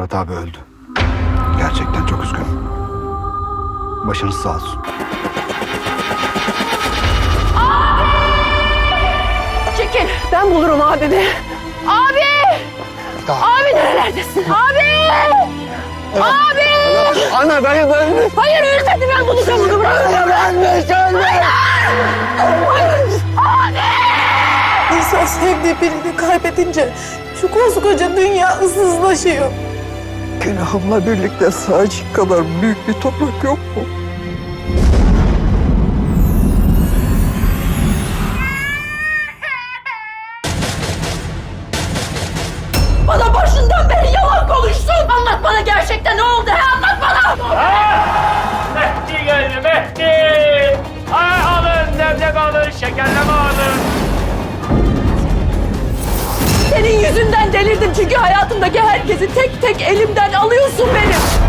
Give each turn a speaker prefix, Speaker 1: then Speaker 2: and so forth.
Speaker 1: Murat abi öldü. Gerçekten çok üzgünüm. Başınız sağ olsun.
Speaker 2: Çekil. Ben bulurum abimi. Abi!
Speaker 1: Tamam.
Speaker 2: Abi nerelerdesin? Abi! Abi!
Speaker 1: Ana ben...
Speaker 2: Hayır ölmedi, ben bulacağım onu. Bırak.
Speaker 3: İnsan sevdiği birini kaybedince şu koskoca dünya ıssızlaşıyor. Günahımla birlikte sağcık kadar büyük bir toprak yok mu?
Speaker 2: Bana başından beri yalan konuştun. Anlat bana gerçekten ne oldu? Anlat bana.
Speaker 4: Mehdi geldi Mehdi. Ay alın leblebi alın şekerleme alın.
Speaker 2: Senin yüzünden delirdim çünkü hayatımdaki herkesi tek tek elimden alıyorsun benim.